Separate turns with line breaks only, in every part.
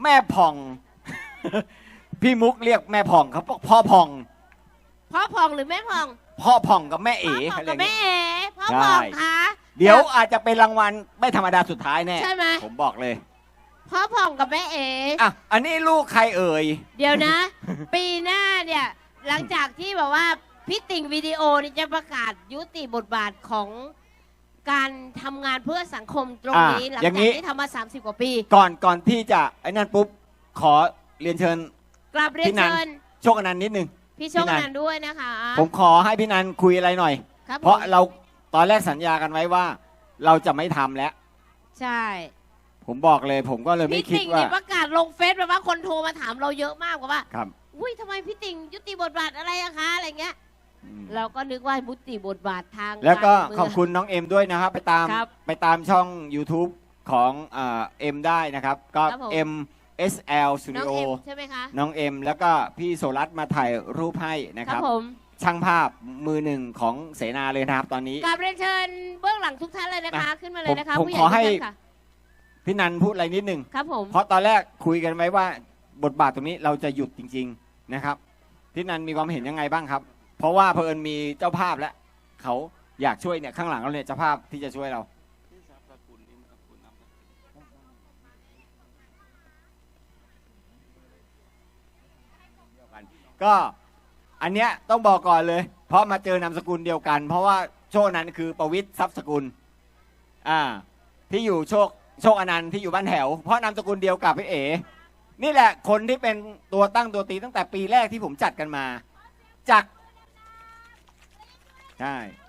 แม่ผ่อง พี่มุกเรียกแม่ผ่องเขาพ่อผ่อง
พ่อผ่องหรือแม่ผ่อง
พ่อผ่องกับแม่เอ๋
พ่อผ่อง
อะไร
กับ
เงี้
แม่
ย
เอ๋พ่อผ่องคะ
เดี๋ยวอาจจะเป็นรางวัลไม่ธรรมดาสุดท้ายแน่
ใช่ไหม
ผมบอกเลย
พ่อผ่องกับแม่เอ๋
อ่ะอันนี้ลูกใครเอ่ย
เดี๋ยวนะ ปีหน้าเนี่ยหลังจากที่แบบว่าพี่ติ่งวิดีโอนี่จะประกาศยุติบทบาทของการทำงานเพื่อสังคมตรงนี้หลังจากที่ทำมา30 กว่าปี
ก่อนที่จะไอ้นั่นปุ๊บขอเรียนเชิญ
กราบเรียน
พี่นัน
เชิญ
โชคอนันต์นิดนึง
พี่โชคนันท์ด้วยนะคะ
ผมขอให้พี่นันคุยอะไรหน่อย
ครับ
เพราะ
ผม
เราตอนแรกสัญญากันไว้ว่า เราจะไม่ทำแล้ว
ใช่
ผมบอกเลย ผมก็เลยไม่
พี่
คิด
ติ่ง
ว่า
นี่ประกาศลงเฟซแบบว่าคนโทรมาถามเราเยอะมากว่า
ครับ
อุ้ยทำไมพี่ติ่งยุติบทบาทอะไรอะคะอะไรเงี้ย
อืม
เราก็นึกว่ายุติบทบาททาง
แล้วก็
ารเมืง
ขอบคุณน้องเอ็มด้วยนะครับ
ครับ
ไปตามช่อง YouTube ของเอ็มได้นะครับ ก็
ครับผม
MSL
น้อง
Studio
เอ็มใช่ไหมคะ
น้องเอ็มแล้วก็พี่โซลัสมาถ่ายรูปให้นะ
ค
ค
รั
รั
บบ ผม
ช่างภาพมือหนึ่งของเสนาเลยนะครับ ตอนนี้
กราบเรียนเชิญเบื้องหลังทุกท่านเลยนะคะ ขึ้นมาเลยนะคะ
ผม
ผู้ใหญ่
ขอ
ทุก
ให้
ท่านค่ะ
พี่นันพูดอะไรนิดหนึ่ง
ครับผม
เพราะตอนแรกคุยกันไว้ว่าบทบาทตรงนี้เราจะหยุดจริง ๆนะครับ พี่นันมีความเห็นยังไงบ้างครับ เพราะว่าเพิ่นมีเจ้าภาพแล้วเขาอยากช่วยเนี่ยข้างหลังเราเนี่ยเจ้าภาพที่จะช่วยเรา ก็อันเนี้ยต้องบอกก่อนเลย เพราะมาเจอนามสกุลเดียวกัน เพราะว่าโชคนั้นคือประวิตรทรัพย์สกุลที่อยู่โชคอนันต์ที่อยู่บ้านแถว เพราะนามสกุลเดียวกับพี่เอ๋นี่แหละคนที่เป็นตัวตั้งตัวตีตั้งแต่ปีแรกที่ผมจัดกันมาจากใช่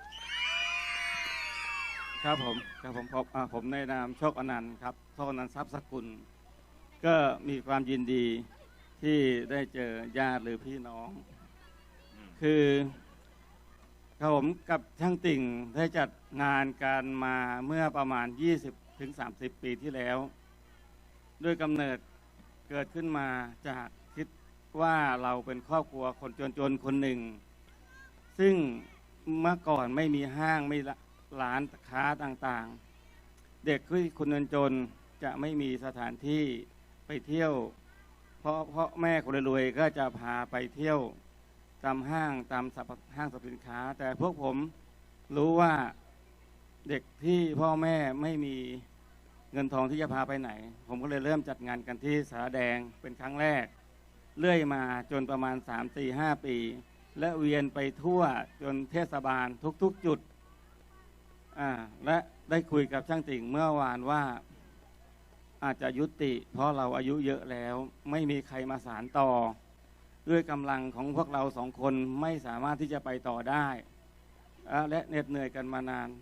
ครับผมในนามโชคอนันต์ครับโชคอนันต์ทรัพย์สกุล ก็มีความยินดีที่ได้เจอญาติหรือพี่น้อง คือผมกับช่างติ่งได้จัดงานการมาเมื่อประมาณ 20-30 ปีที่แล้ว ด้วยกำเนิดเกิดขึ้นมาจากคิดว่าเราเป็นครอบครัวคนจนๆคนหนึ่ง ซึ่งเมื่อก่อนไม่มีห้างไม่ร้านค้าต่างๆ เด็กที่คนจนจะไม่มีสถานที่ไปเที่ยว เพราะแม่คนรวยก็จะพาไปเที่ยวตามห้างตามห้างสรรพสินค้า แต่พวกผมรู้ว่าเด็กที่พ่อแม่ไม่มีเงินทองที่จะพาไปไหน ผมก็เลยเริ่มจัดงานกันที่สาราแดงเป็นครั้งแรกเรื่อยมาจนประมาณ 3-4-5 ปี และเวียนไปทั่วจนเทศบาลทุกๆจุดและได้คุยกับช่างติ่งเมื่อวานว่าอาจจะยุติเพราะเราอายุเยอะแล้วไม่มีใครมาสานต่อด้วยกำลังของพวกเราสองคนไม่สามารถที่จะไปต่อได้และเหน็ดเหนื่อยกันมานาน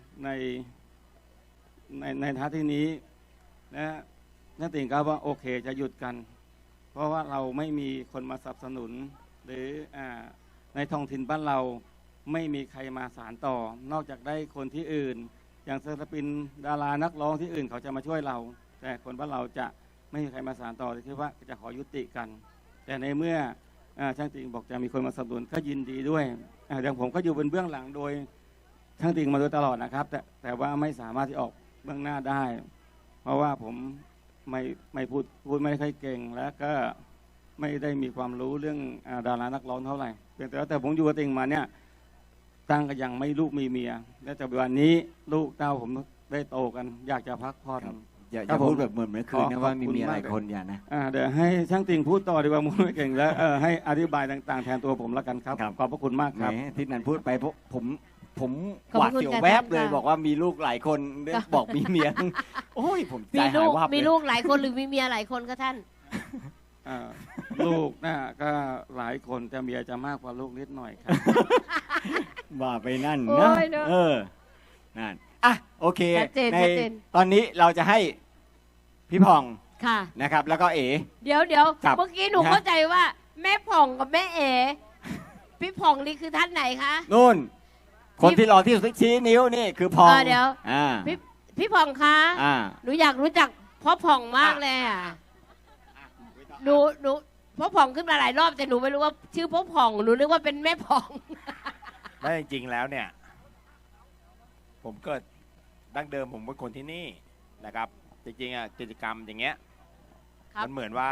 ในท่าที่นี้และช่างติ่งก็ว่าโอเคจะหยุดกันเพราะว่าเราไม่มีคนมาสนับสนุนหรือในท้องถิ่นบ้านเราไม่มีใครมาสานต่อนอกจากได้คนที่อื่นอย่างศิลปินดารานักร้องที่อื่นเขาจะมาช่วยเราแต่คนบ้านเราจะไม่มีใครมาสานต่อคิดว่าจะขอยุติกันแต่ในเมื่อช่างติ่งบอกจะมีคนมาสนับสนุนก็ยินดีด้วยอย่างผมก็อยู่เป็นเบื้องหลังโดยช่างติ่งมาโดยตลอดนะครับแต่ว่าไม่สามารถที่ออกเบื้องหน้าได้เพราะว่าผมไม่พูดไม่ค่อยเก่งแล้วก็ไม่ได้มีความรู้เรื่องดารานักร้องเท่าไหร่แต่ผมอยู่กับติ่งมาเนี่ยตั้งก็ยังไม่ลูกมีเมียและแต่วันนี้ลูกเต้าผมได้โตกันอยากจะพักผ่อน
อย่าพูดแบบเหมือนเมื่อคืนนะว่ามีเมียหลายคนอย่านะ
เดี๋ยวให้ช่างติ่งพูดต่อดีกว่ามุ้ไม่เก่งแล้วให้อธิบายต่างๆแทนตัวผมแล้วกันครับขอบพระคุณมากครับ
ที่นันพูดไปผมหวาดเสียวแวบเลยบอกว่ามีลูกหลายคนบอกมีเมียโอ้ยผมใจหายวับเลย
มีลูกหลายคนหรือมีเมียหลายคนก็ท่าน
ลูกน่ะก็หลายคนแต่เมียจะมากกว่าลูกนิดหน่อยครับ
ว่าไปนั่นนะนั่นโอเคในตอนนี้เราจะให้พี่ผ่องนะครับแล้วก็เอ๋
เดี๋ยวเมื่อกี้หนูเข้าใจว่าแม่ผ่องกับแม่เอ๋พี่ผ่องนี่คือท่านไหนคะ
นู่นคนที่รอที่ชี้นิ้วนี่คือผ่อง
เดี๋ยวพี่ผ่องคะหนูอยากรู้จักพ่อผ่องมากเลยหนูพ่อผ่องขึ้นมาหลายรอบแต่หนูไม่รู้ว่าชื่อพ่อผ่องหนูนึกว่าเป็นแม่ผ่อง
ไม่จริงๆแล้วเนี่ยผมเกิดดั้งเดิมผมเป็นคนที่นี่นะครับจริงๆกิจกรรมอย่างเงี้ย
ครับ
มันเหมือนว่า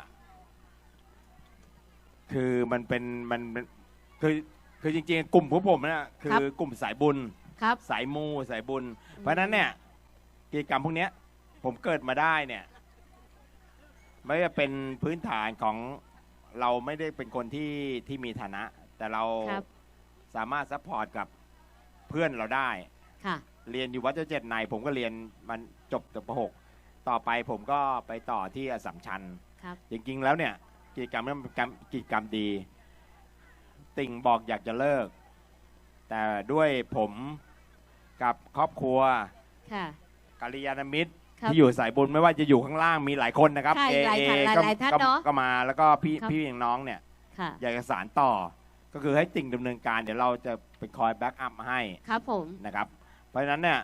คือมันเป็นคือจริงๆ กลุ่มพวกผมเนี่ยคื
ครับ
อกลุ่มสายบุญ
ครับ
สายมูสายบุญ เพราะฉะนั้นเนี่ยกิจกรรมพวกเนี้ย ผมเกิดมาได้เนี่ย ไม่ว่าเป็นพื้นฐานของเราไม่ได้เป็นคนที่มีฐานะ แต่เรา
ครับ
สามารถซัพพอร์ตกับเพื่อนเราได้
ค่ะ
เรียนอยู่วัดเจ้าเจ็ดในผมก็เรียนมันจบจบป .6 ต่อไปผมก็ไปต่อที่อัสสัมชัญ
ครับ
จริงๆแล้วเนี่ยกิจกรรมนี้มันเป็นกิจกรรมดี ติ่งบอกอยากจะเลิก แต่ด้วยผมกับครอบครัว
ค่ะ
กัลยาณมิตร
ครับ
ที่อยู่สายบุญไม่ว่าจะอยู่ข้างล่างมีหลายคนนะครับ
ใช่หลายท่าน
ก็
หลายท่าน
ก็
เนอะ
ก็มาแล้วก็พี่
ครับ
พี่น้องเนี่ย
ค่ะ
อยากจะสานต่อ ก็คือให้ติ่งดำเนินการเดี๋ยวเราจะเป็นคอยแบ็กอัพให้
ครับผม
นะครับ เพราะฉะนั้นเนี่ย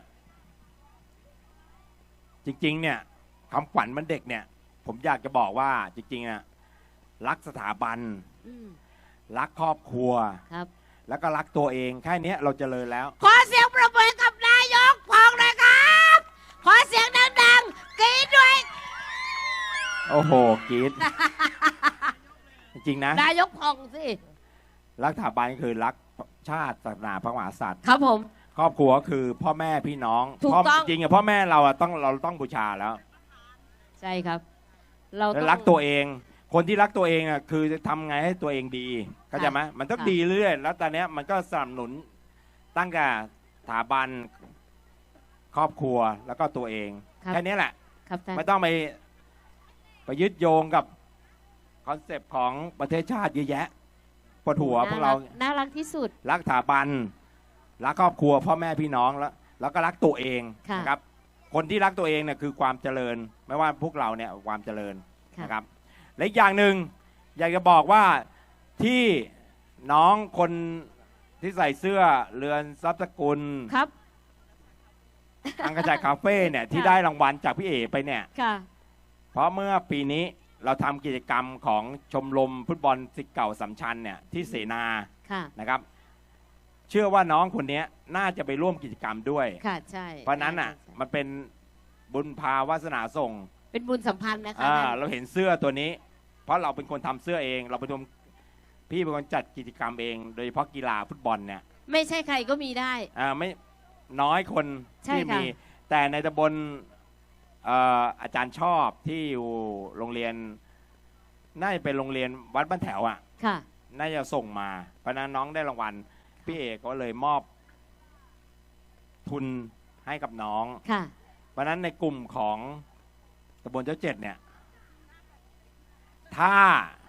จริงๆเนี่ยคำขวัญมันเด็กเนี่ย ผมอยากจะบอกว่าจริงๆอะรักสถาบัน
อืม
รักครอบครัว
ครับ
แล้วก็รักตัวเองแค่เนี้ยเราเจริญแล้ว
ขอเสียงปรบมือให้กับนายกพองหน่อยครับ ขอเสียงดังๆกรี๊ดด้วย
โอ้โหกรีด จริงๆนะ
นายกพองสิ
รักสถาบันคือรักชาติศาสนาพระมหากษัตริย์
ครับผม
ครอบครัวคือพ่อแม่พี่น้อง
ถูก
พ่อ
ต้อง
จริงๆอะพ่อแม่เราอะเราต้องบูชาแล้ว
ใช่ครับ เรา
แล้ว
ต้อง
รักตัวเอง คนที่รักตัวเองอะคือจะทำไงให้ตัวเองดีเข้าใจไหมมันต้อง
ค่ะ
ดีเรื่อยแล้วตอนเนี้ยมันก็สนับสนุนตั้งแต่สถาบันครอบครัวแล้วก็ตัวเอง
ครับ
แค่นี้แหละ
ครับท่าน
ไม่ต้องไปยึดโยงกับคอนเซปต์ของประเทศชาติเยอะแยะปวดหัวพวกเรา
น่ารักที่สุด
รักสถาบันรักครอบครัวพ่อแม่พี่น้องแล้วก็รักตัวเอง
ค่ะ
นะครับ คนที่รักตัวเองเนี่ยคือความเจริญ ไม่ว่าพวกเราเนี่ยความเจริญ
ค่ะ
นะครับและอีกอย่างหนึ่งอยากจะบอกว่าที่น้องคนที่ใส่เสื้อเรือนทรัพย์สกุล
ครับ
อังกระจายคาเฟ่เนี่ยที่
ค่ะ
ได้รางวัลจากพี่เอไปเนี่ย
ค่ะ
เพราะเมื่อปีนี้เราทำกิจกรรมของชมรมฟุตบอลศิษย์เก่าสัมชัญเนี่ยที่เสนา
ค่ะ
นะครับ เชื่อว่าน้องคนนี้น่าจะไปร่วมกิจกรรมด้วย
ค่ะ ใช่
เพราะนั้นอ่ะ
ใช่
มันเป็นบุญพาวาสนาส่ง
เป็นบุญสัมพันธ์นะคะ
เราเห็นเสื้อตัวนี้ เพราะเราเป็นคนทำเสื้อเอง เราเป็นคนพี่เป็นคนจัดกิจกรรมเอง โดยเฉพาะกีฬาฟุตบอลเนี่ย
ไม่ใช่ใครก็มีได้
ไม่น้อยคน
ใช่
ที่
ค่ะ
มี แต่ในตำบลอาจารย์ชอบที่อยู่โรงเรียนน่าจะเป็นโรงเรียนวัดบ้านแถวอ่ะ
ค่ะ
น่าจะส่งมา เพราะนั้นน้องได้รางวัล พี่เอกก็เลยมอบทุนให้กับน้อง
ค่ะ
เพราะนั้นในกลุ่มของตำบลเจ้าเจ็ดเนี่ย ถ้า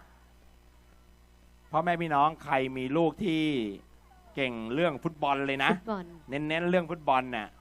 พ่อแม่พี่น้องใครมีลูกที่เก่งเรื่องฟุตบอลเลยนะ
ฟุตบอล
เน้นๆเรื่องฟุตบอลเนี่ย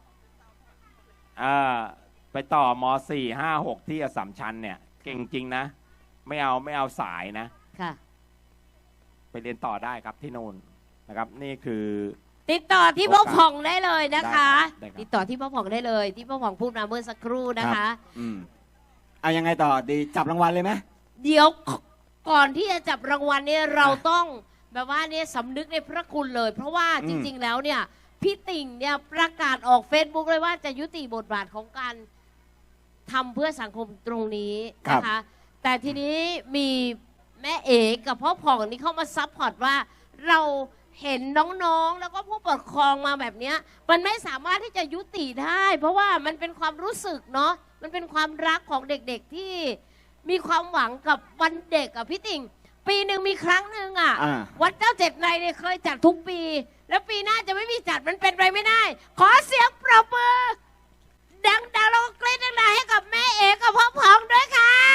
ไปต่อม .4 5 6 ที่อัสสัมชัญเนี่ย เก่งจริงนะ ไม่เอาสายนะ
ค่ะ
ไปเรียนต่อได้ครับที่นู่นนะครับ นี่คือ
ติดต่อที่พ่อผ่องได้เลยนะคะ
ได้ครับ
ติดต่อที่พ่อผ่องได้เลย ที่พ่อผ่องพูดมาเมื่อสักครู่นะคะ
อืมเอายังไงต่อดีจับรางวัลเลยไหม
เดี๋ยวก่อนที่จะจับรางวัลเนี่ยเราต้องแบบว่าเนี่ยสำนึกในพระคุณเลย เพราะว่าจริง ๆ แล้วเนี่ยพี่ติ่งเนี่ยประกาศออก Facebook เลยว่าจะยุติบทบาทของการทำเพื่อสังคมตรงนี้นะคะ แต่ทีนี้มีแม่เอกกับพ่อผ่องนี่เข้ามาซัพพอร์ตว่าเราเห็นน้องๆ แล้วก็ผู้ปกครองมาแบบเนี้ยมันไม่สามารถที่จะยุติได้ เพราะว่ามันเป็นความรู้สึกเนาะมันเป็นความรักของเด็กๆที่มีความหวังกับวันเด็กอะพี่ติ่ง ปีหนึ่งมีครั้งหนึ่งอะ
อ่า
วัดเจ้าเจ็ดในายเนี่ยเคยจัดทุกปี แล้วปีหน้าจะไม่มีจัดมันเป็นไปไม่ได้ ขอเสียงปรบมือดังๆแล้วก็กรี๊ดดังๆให้กับแม่เอกกับพ่อพองด้วยครับ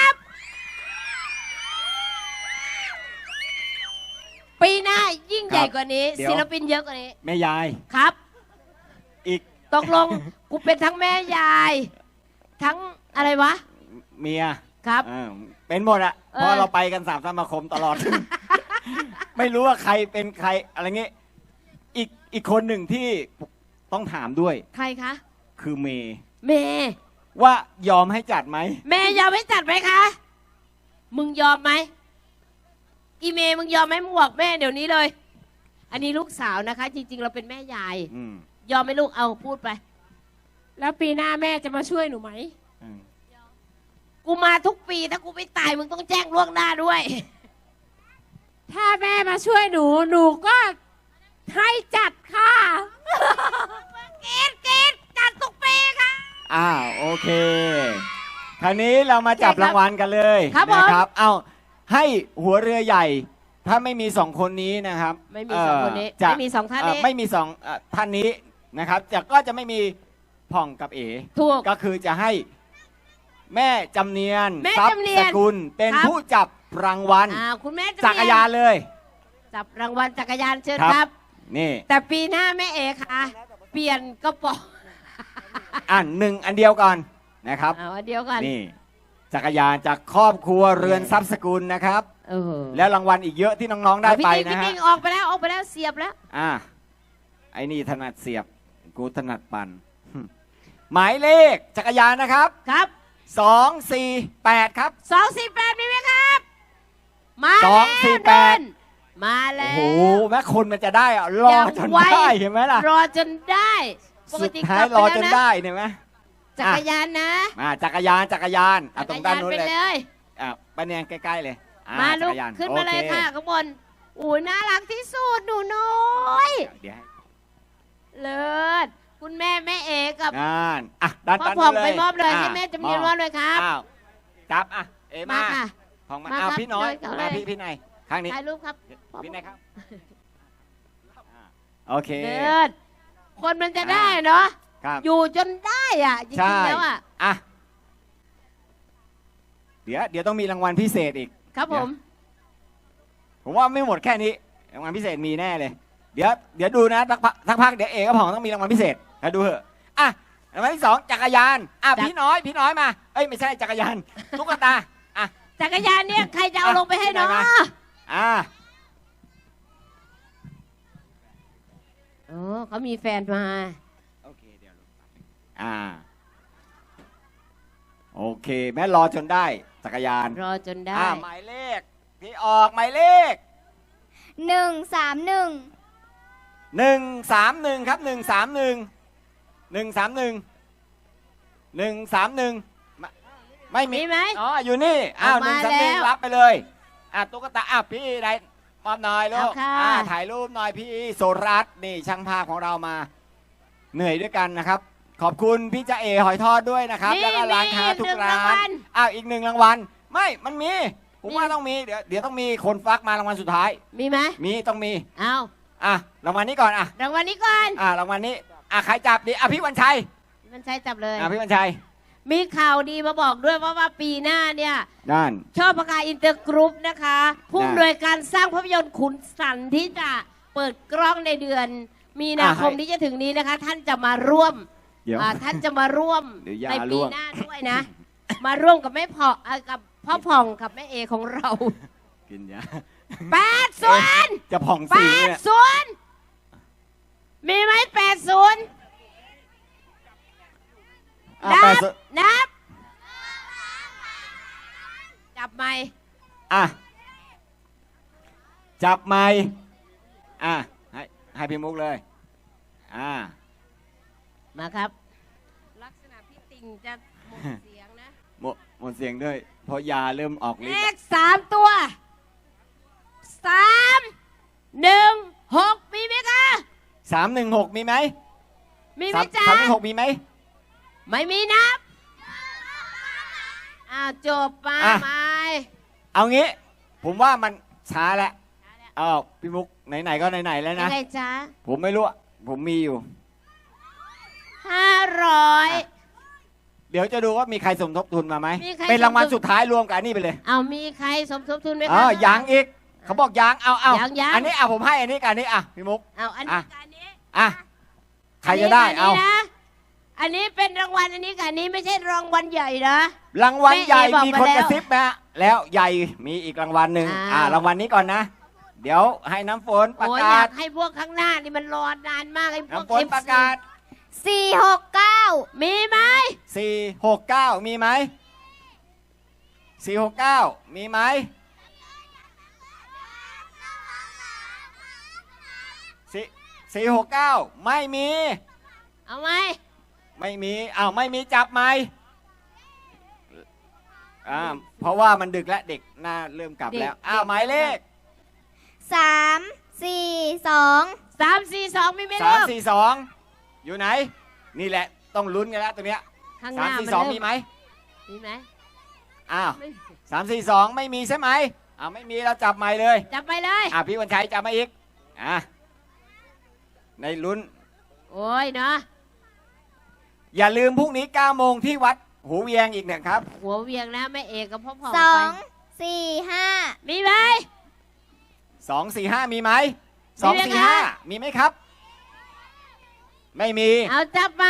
ปีหน้ายิ่งใหญ่กว่านี้
เดี๋ยว
ศิลปินเยอะกว่านี้
แม่ยาย
ครับ
อีก
ตกลง กูเป็นทั้งแม่ยาย ทั้งอะไรวะ
เมีย
ครับ
เป็นหมดอะ
เออ
เพราะเราไปกัน3 สมาคมตลอด ไม่รู้ว่าใครเป็นใครอะไรเงี้ยอีกคนหนึ่งที่ต้องถามด้วย
ใครคะ
คือเมย์
เมย์
ว่ายอมให้จัดไหม
แม่ยอมให้จัดไหมคะ มึงยอมไหมอีเมย์มึงยอมไหมมึงบอกแม่เดี๋ยวนี้เลย อันนี้ลูกสาวนะคะ จริง ๆ เราเป็นแม่ยาย
อืม
ยอมไหมลูกเอาพูดไป
แล้วปีหน้าแม่จะมาช่วยหนูไหม
อืม
กูมาทุกปีถ้ากูไม่ตายมึงต้องแจ้งล่วงหน้าด้วย
ถ้าแม่มาช่วยหนู หนูก็ให้จัดค่ะ
เกตจัดทุกปีค่ะ
โอเค คราวนี้เรามาจับ
ใช่ครับ
รางวัลกันเลย
ครับผม
นะครับ เอาให้หัวเรือใหญ่ ถ้าไม่มีสองคนนี้นะครับ
ไม่มีสองคนนี้
จะ
ไม่มีสองท่านนี้
ไม่มีสองท่านนี้นะครับก็จะไม่มีผ่องกับเอ๋
ถูก
ก็คือจะให้แม่จำเนียน
แม่
ทรัพ
จำ
ย์
เนี
ส
ยน
กุลเป็น
ครับ
ผู้จับรางวัล
คุณแม่จะ
จักรยานเลย
จับรางวัลจักรยานเชิญ
ครับ
ครับ
นี่
แต่ปีหน้าแม่เอค่ะเปลี่ยนกระป๋อง
หนึ่งอันเดียวก่อนนะครับ
เอาอันเดียวกัน
นี่จักรยานจากครอบครัวเรือนทรัพย์สกุลนะครับ
เออ
แล้วรางวัลอีกเยอะที่น้องๆได้ไป
พี่
นะฮะ
ติ๊กออกไปแล้วเสียบแล้ว
ไอ้นี่ถนัดเสียบกูถนัดปั่น หมายเลขจักรยานนะครับ
ครับ
248 ครับ
248มีไหมครับ มา
ส
แล้
อ
ว
งสี่แปด
เดินมาแล้
โอ้
ว
โหแม่คนมันจะได้อะรอจน
ไว
ได้เห็นไหมล่ะ
รอจนได้ปก
สุด
ติ
ท้าย
กลับ
รอ
ไป
จน
แล้วนะ
ได้เห็นไหม
จักรยานนะ
จักรยานตรงด้านนู้น
ไป
เลย
เลย
ป้าเนียงใกล้ๆเลย
มาลู
จั
ก
รยาน
ขึ้นมาเลย
โอ
ค่ะข้างบนอู้น่ารักที่สุดหนูน้อย
เดี๋ยวให้
เลิศคุณแม่เอกับ
งานด้าน
พ่อ
ด้าน
ผ่อง
นู้น
ไปมอบเลย
ะ
ให้แม่จำเนียนมอบเลยครับ
อ้าวจับเอ
มา
มา
ค่ะ
ผ่องมา
มา
อ้าว
ครับ
พี่น้อย
เดินก่อน
มา
เลย
พี่นายข้างนี้
ถ่ายรูปครับ
พี่นายครับโอเค
เลิศคนมันจะได้เนาะ
ครับ
อยู่จนได้อ่ะจริ
ใช่
งๆแล้วอ่ะ
เดี๋ยวต้องมีรางวัลพิเศษอีก
ครับผม
ผมว่าไม่หมดแค่นี้รางวัลพิเศษมีแน่เลย เดี๋ยวดูนะสักพักเดี๋ยวเอกกับผ่องต้องมีรางวัลพิเศษแล้วดูเถอะรางวัลที่ 2จักรยานพี่น้อยมาเอ้ยไม่ใช่จักรยานตุ๊กตา
จักรยานเนี่ยใครจะเอาลงไปให้เนาะ โอ้เขามีแฟนมา
โอเคเดี๋ยวโอเคแม่รอจนได้จักรยาน
รอจนได้
หมายเลขที่ออกหมายเลข
131
131ครับ131ไม่มี
มีไหม
อยู่นี่
เอามาแล้ว
131รับไปเลยตุ๊กตาพี่ได้มอบหน่อยลูก
เอาค่ะ
ถ่ายรูปหน่อยพี่โสรัตน์นี่ช่างภาพของเรามา เหนื่อยด้วยกันนะครับ ขอบคุณพี่จ่าเอหอยทอดด้วยนะครับ แล้วก็ร้านค้าทุกร้านอีก1รางวัลมันมีผมว่าต้องมีเดี๋ยวต้องมีคนฟักมารางวัลสุดท้าย
มีไหม
ต้องมี
เอา
รางวัลนี้ก่อน
รางวัลนี้ก่อน
รางวัลนี้ใครจับดีพี่วันชัย
มันใช้จับเลย
พี่วันชัย
มีข่าวดีมาบอกด้วยว่าปีหน้าเนี่ย
นั่น
ชอบประกาศอินเตอร์กรุ๊ปนะคะ ผู้
ได้
อำนวยการสร้างภาพยนตร์ขุนสันที่จะเปิดกล้องในเดือน มีนาคมที่จะถึงนี้นะคะ ท่านจะมาร่วม
เดี๋ยว
ท่านจะมาร่วม
เดี๋ยวยา
ใน
ร่
ปี
วง
หน้าด้วยนะ มาร่วมกับแม่พ่อกับพ่อผ่องกับแม่เอของเรา
กินยา
80
จะผ่องสีเนี่ย
80มีไหม80 นับ นับ จับไหม
จับไม้ให้พี่มุกเลย
มาครับ ลักษณะพี่ติ่งจะหมดเสียงนะ
หมดเสียงด้วย เพราะยาเริ่มออกฤท
เล
ธิ์
ข3 ตัว 3 1 6 มีไหมคะ
316มีไหม
มีไหมจ๊ะ
316มีไหม
ไม่มีนับจบมาไหม
เอางี้ ผมว่ามันช้าแล้วพี่มุกไหนๆก็ไหนๆแล้ว
ยั
นะ
งไงจ๊ะ
ผมไม่รู้ผมมีอยู่
500
เดี๋ยวจะดูว่ามีใครสมทบทุนมาไหม
มีใคร
เป็นรางวัล
สมทบ
สุดท้ายรวมกับอันนี้ไปเลย
เอามีใครสมทบทุนไหม
เอ
คะ
ยังอีก เขาบอกยังเอา
ยัง
อันนี้ผมให้อันนี้กับอันนี้พี่มุก
เอาอันนี้กับอันนี้
ใครจะได้
นนี้
เอา
นะอันนี้เป็นรางวัลอันนี้กับอันนี้ไม่ใช่รางวัลใหญ่นะ
รางวัลใหญ่
แม่เอบอก
มี
มา
คน
แล้ว
กระซิบนะแล้วใหญ่มีอีกรางวัลหนึ่ง รางวัลนี้ก่อนนะ เดี๋ยวให้น้ำฝนประ
โอ้ย
กา
อยา
ศ
กให้พวกข้างหน้านี่มันรอนานมากไอ้พวก
น้ำฝนประกาศ
469 มีไหม
469มีไหม469มีไหม469ไม่มี
เอาไหม
ไม่มีไม่มีจับไหมเพราะว่ามันดึกแล้วเด็กน่าเริ่มกลับแล้ว หมายเลข
3 4 2
342มีไหม
สา
ลู
ม
ก
สี่สองอยู่ไหน นี่แหละต้องลุ้นกันแล้วตัวเนี้ย
ข้างห
สาม
น้า
สี่
มัน
สอง
เริ่
มีไหม
มีไหม
อ้าว
ไม่
342ไม่มีใช่ไหมไม่มีเราจับใหม่เลย
จับไปเลย
พี่วันชัยจับมาอีกในลุ้น
โอ้ยเนาะ
อย่าลืมพรุ่งนี้9โมงที่วัดหูเวียงอีกนะครับ
หัวเวียงนะแม่เอกกับพ่อพอง
2 4 5
มีไหม
245มีไหม
มีไหมคะ
245มีไหมครับ ไม่มี
เอาจับไป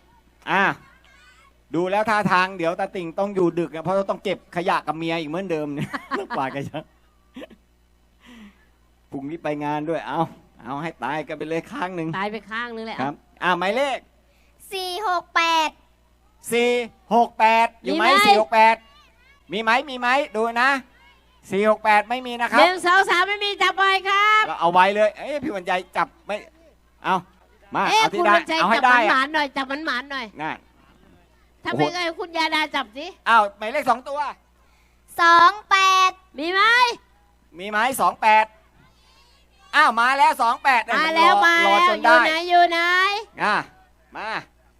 ดูแล้วท่าทางเดี๋ยวตาติ่งต้องอยู่ดึกนะเพราะต้องเก็บขยะกับเมียอีกเหมือนเดิมเนี่ย กว่ากันจะพรุ่งนี้ไปงานด้วยเอาให้ตายกันไปเลยข้างหนึ่ง
ตายไปข้างนึงเลย
ครับหมายเลข
4 6 8
468อยู่ไหม
มีไหม
468มีไหมดูนะ468ไม่มีนะครั
ห
บ
นึ่งสองสามไม่มีจับไปครับ
เราเอาไว้เลยพี่วันใจจับไม่เอามา
เอ๊ะ
เอาที่
คุณ
ได้
วันชัย
เอาให้
จับ
ได้
หมานๆหน่อยจับหมานๆหน่อย
นั่น
ถ้า
โอ้โห
ไม่ไงคุณยาดาจับสิ
หมายเลข2ตัว
2 8
มีไหม
มีไหม28มาแล้ว28
มาแล้วมา
รอ
แล้ว
จ
อน ยู่
ได้
ไหนอยู่ไหน
มา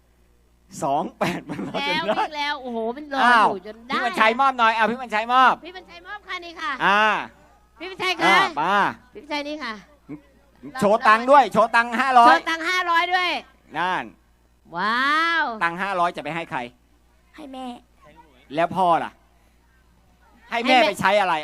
28มันรอจ
แล้ว
นได้
วิ่งแล้วโอ้โหมันรอ
อ้าว
อยู่จนได้
พี่วันชัยมอบหน่อยพี่วันชัยมอบ
พี่บรรชัยมอบค่ะนี่ค่ะ พี่บรรชัย
อ่า
ค่ะ
มา
พี่บรรชัยนี่ค่ะ
โชว์ตังค์ด้วยโชว์ตังค์
โชว์ตังค์500ด้วย
500นั่น
ว้าว
ตังค์500จะไปให้ใคร
ให้แม่
แล้วพ่อล่ะ ให้แม่ไปใช้อะไร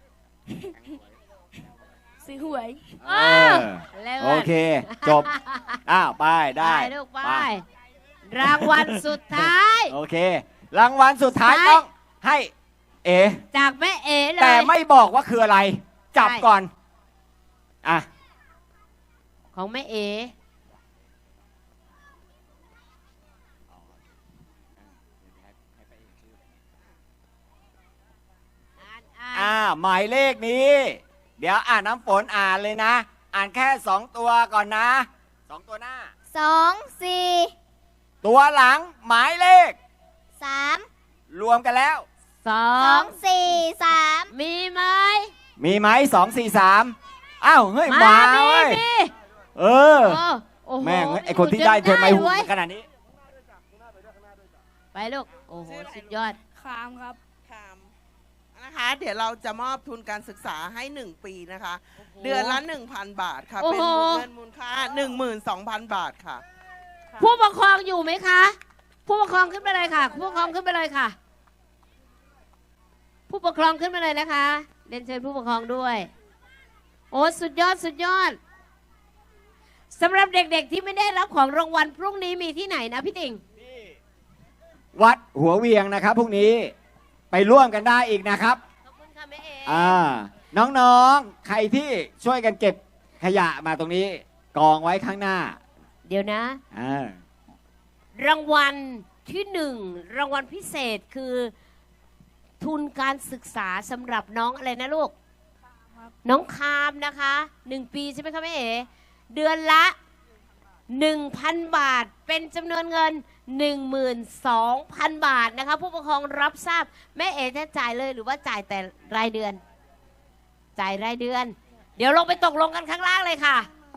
ซื้อหวย
เออ
เร็ว
โอเค จบ ไปได้
ไปลูกไปรางวัลสุดท้าย
โอเค รางวัลสุดท้าย
ใช่
ต้องให้
จากแม่เอ๋เลย
แต่ไม่บอกว่าคืออะไร จับ
ใช่
ก่อน
ของแม่เอ๋อ่าน
หมายเลขนี้ เดี๋ยวน้ำฝนอ่านเลยนะ อ่านแค่2ตัวก่อนนะ2ตัวหน้า
2 4
ตัวหลังหมายเลข
3
รวมกันแล้ว
สอง
2 4 3
มีไหม
มีไหม2 4 3เฮ้ยมา
มี
เว้ย
มี
เออ
โอ้โห
แม่งไอคนที่ได้เธอไม่หู
เว้ย
ขนาดนี้
ไปลูก โอ้โห สุดยอด
คามครับคามนะคะ เดี๋ยวเราจะมอบทุนการศึกษาให้ 1 ปีนะคะ เดือนละ 1,000 บาทค่ะ
โอ้
เป็น
โห
เงินมูลค่า 12,000 บาทค่ะ
ผู้ปกครองอยู่ไหมคะ ผู้ปกครองขึ้นไปเลยค่ะ ผู้ปกครองขึ้นไปเลยค่ะ ผู้ปกครองขึ้นมาเลยนะคะเรียนเชิญผู้ปกครองด้วย โอ้สุดยอดสุดยอดสำหรับเด็กๆที่ไม่ได้รับของรางวัลพรุ่งนี้มีที่ไหนนะพี่ติ่ง
วัดหัวเวียงนะครับพรุ่งนี้ไปร่วมกันได้อีกนะครับ
ขอบคุณค่ะแม่เอ๋
น้องๆ ใครที่ช่วยกันเก็บขยะมาตรงนี้กองไว้ข้างหน้า
เดี๋ยวนะ รางวัลที่หนึ่งรางวัลพิเศษคือทุนการศึกษาสำหรับน้องอะไรนะลูก น้องคามนะคะ1 ปีใช่ไหมคะแม่เอ๋เดือนละ 1,000 บาทเป็นจำนวนเงิน 12,000 บาทนะคะผู้ปกครองรับทราบแม่เอ๋จะจ่ายเลยหรือว่าจ่ายแต่รายเดือน จ่ายรายเดือน เดี๋ยวลงไปตกลงกันข้างล่างเลยค่ะ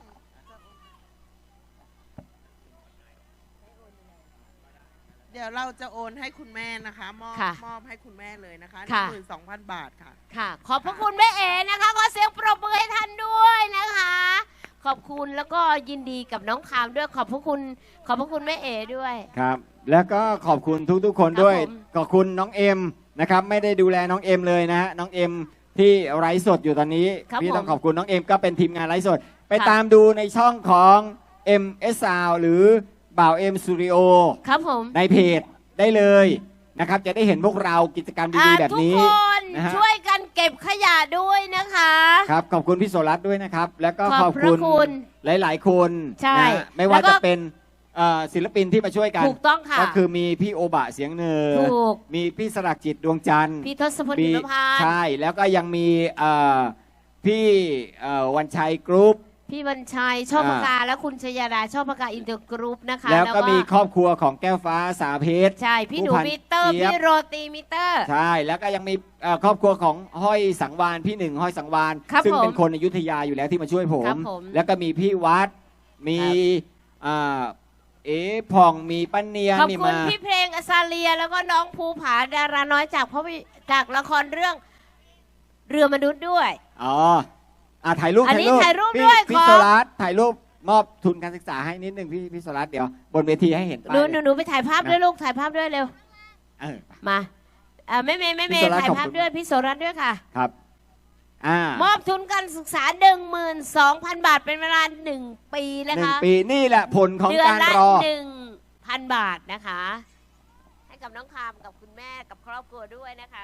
เดี๋ยวเราจะโอนให้คุณแม่นะคะ
ค่ะ
มอบให้คุณแม่เลยนะคะ
ค่ะ
12,000 บาทค่ะ
ค่ะ ขอบพระคุณแม่เอ๋นะคะขอเสียงปรบมือให้ท่านด้วยนะคะ ขอบคุณแล้วก็ยินดีกับน้องคามด้วยขอบพระคุณแม่เอ๋ด้วย
ครับ แล้วก็ขอบคุณทุกๆ คนด้วย
ครับผม
ขอบคุณน้องเอ็มนะครับไม่ได้ดูแลน้องเอ็มเลยนะฮะน้องเอ็มที่ไลฟ์สดอยู่ตอนนี้
ครับ
พี่ต้อง
ผม
ขอบคุณน้องเอ็มก็เป็นทีมงานไลฟ์สด ไป
ครับ
ตามดูในช่องของ MS Sound หรือบ่าวเอ็มสตูดิโอ
ครับผม
ในเพจได้เลยนะครับจะได้เห็นพวกเรากิจกรรมดีๆแบบนี้
ทุกคน
นะฮะ
ช่วยกันเก็บขยะด้วยนะคะ
ครับขอบคุณพี่โสรัตน์ด้วยนะครับ แล้วก็
ข
ข
อ
อ
บบ พระ
คุณ
คุณ
หลายๆคน
ใช่
นะฮะไม่ว่า
แล้วก็
จะเป็นศิลปินที่มาช่วยกัน
ถูกต้องค่ะ
ก็คือมีพี่โอบะเสียงเนอ
ถูก
มีพี่สลักจิตดวงจันทร์
พี่ทศพลหิมพานต์
ใช่แล้วก็ยังมีพี่วันชัยกรุ๊ป
พี่บัญชัยชอบปากกาและคุณชยดาชอบปากกาอินเตอร์กรุ๊ปนะคะ
แล้วก็มีครอบครัวของแก้วฟ้าสาเพชร
ใช่พี่หนู
ผู้พัน
มิเตอร์
เจี๊ยบ
พี่โรตีมิเตอร์
ใช่แล้วก็ยังมีครอบครัวของห้อยสังวานพี่หนึ่งห้อยสังวาน
ครับ
ซึ่ง
ผม
เป็นคนอยุธยาอยู่แล้วที่มาช่วยผม
ครับผม
แล้วก็มีพี่วัดมี
ครับ
อ่าผ่องมีป้าเนียน
ขอบ
นี่
คุณ
มา
พี่เพลงอซาเลีย แล้วก็น้องภูผาดาราน้อยจากละครเรื่องเรือมนุษย์ด้วย
อ๋อถ่ายรูป
อันนี้ถ่ายรูป
พี่
ด้วย
พี่
ขอ
โซลัสถ่ายรูปมอบทุนการศึกษาให้นิดนึงพี่โซลัสเดี๋ยวบนเวทีให้เห็นป้าย
หนู
เลย
หนูไปถ่ายภาพด้วยลูกถ่ายภาพด้วยเร็ว
เออ
มาแม่เมย์
พี่โสรัตน์
ถ่าย
ขอบ
ภาพ
คุณ
ด้วยพี่โสรัตน์ด้วยค่ะ
ครับ
มอบทุนการศึกษา 12,000 บาทเป็นเวลา 1 ปีนะ
1
คะ
ปีนี่แหละผลของ
เดือน
การ
ละ
รอ
1,000 บาทนะคะ ให้กับน้องคามกับคุณแม่กับครอบครัวด้วยนะคะ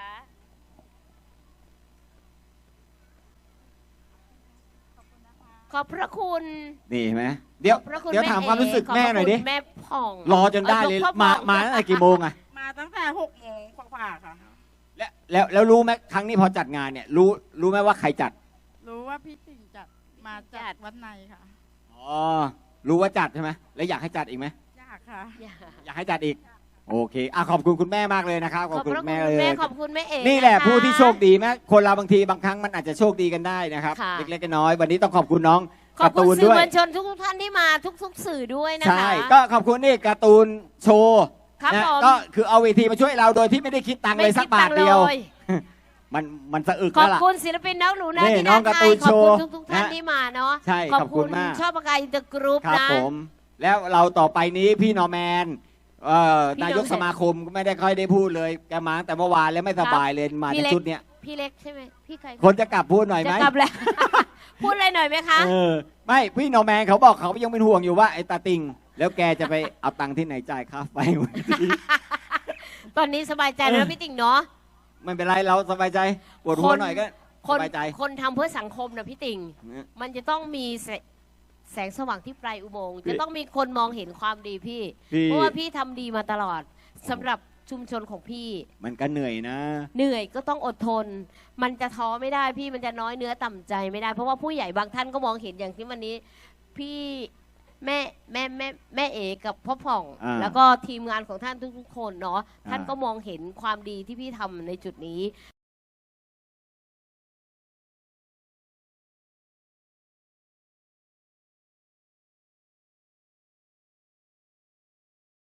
ขอบพระคุณ
นี่เห็นไหมเดี๋ยว
ขอบพระคุณ
เดี๋ยวถาม
แ
ความรู้สึก
ขอบพ
แม่
ระ
หน่อยดิ
คุณแม่ผ่อง
รอจนได้เลย
พ่อ
มา
ผ่อง
มาตั้งแต่กี่โมงอะ
มาตั้งแต่6 โมงกว่าๆค่ะ
แล้วรู้ไหมครั้งนี้พอจัดงานเนี่ยรู้ไหมว่าใครจัด
รู้ว่าพี่ติ่งจัดมาจากวัดในค่ะ
อ๋อรู้ว่าจัดใช่ไหมแล้วอยากให้จัดอีกไหม
ยากค่ะ
อยากให้จัดอีกโอเคขอบคุณคุณแม่มากเลยนะครับ
ข
ข
อ
อ
บบ พ
คุณ
ระคุณ
แม่
คุ
เล
ณแม่
ย
ขอบคุณแม่เอ๋
นี่แหละ
ค
ผู้ที่โชคดีแม้คนเราบางทีบางครั้งมันอาจจะโชคดีกันได้นะครับ
ค่ะ
เล็กๆน้อยๆวันนี้ต้องขอบคุณน้อง
ขอบ
การ์
คุ
ตู
ณ
น
สื่อ
ด้วย
มวลชนทุกท่านที่มาทุกสื่อด้วยนะคะ
ใช่ก็ขอบคุณนี่การ์ตูนโชว์
ครับ
นะ
ผม
ก็คือเอาเวทีมาช่วยเราโดยที่ไม่ได้คิดตังค์เลยสักบาทเดียว
ไม่คิตังค์ล
มันสะอึก
ขอ
แล้ว
บ
ล่ะ
คุณศิลปินน้องหนูนะ
นี่
ที่
น้
ด้า
อง
น
การ์
ไท
ตู
ย
น
ขอบคุณ
โชว์
ทุกท่าน
นะ
ที่มาเนาะ
ใช่
ขอบ
ขอบคุ
คุณ
ณมาก
ชอบปากกาอินเตอร์กรุ๊ป
ครับ
นะ
ผมแล้วเราต่อไปนี้พี่นอร์แมน
พี่นอร์แมน
นายกสมาคมก็ไม่ได้ค่อยได้พูดเลยแกมาตั้งแต่เมื่อวานแล้วไม่สบายเลยมา
พี่
ใน
เล็ก
ชุดเนี้ย
พี่เล็กใช่ไหมพี่ใคร
คนจะกลับพูดหน่อยไห
จะ
ม
กลับแล้ว พูดอะไรหน่อยไหมคะ
ไม่พี่นอร์แมนเขาบอกเขายังเป็นห่วงอยู่ว่าไอ้ตาติงแล้วแกจะไปเอาตังค์ที่ไหนจ่ายค่าไฟวันนี้
ตอนนี้สบายใจแล้วพี่ติ่งเนาะ
ไม่เป็นไรเราสบายใจปวดหัวหน่อยก็
ค
ส
น
บายใจ
คนทำเพื่อสังคมนะพี่ติ่ง มันจะต้องมีแสงสว่างที่ปลายอุโมงค์
พี่
จะต้องมีคนมองเห็นความดีพี่
พี่
เพราะว่าพี่ทำดีมาตลอดสำหรับชุมชนของพี่
มันก็เหนื่อยนะ
เหนื่อยก็ต้องอดทน มันจะท้อไม่ได้พี่มันจะน้อยเนื้อต่ำใจไม่ได้ เพราะว่าผู้ใหญ่บางท่านก็มองเห็นอย่างที่วันนี้ พี่แม่เอกับพ่อผ่อง
อ่า
แล้วก็ทีมงานของท่านทุกๆคนเนาะ
อ่า
ท่านก็มองเห็นความดีที่พี่ทำในจุดนี้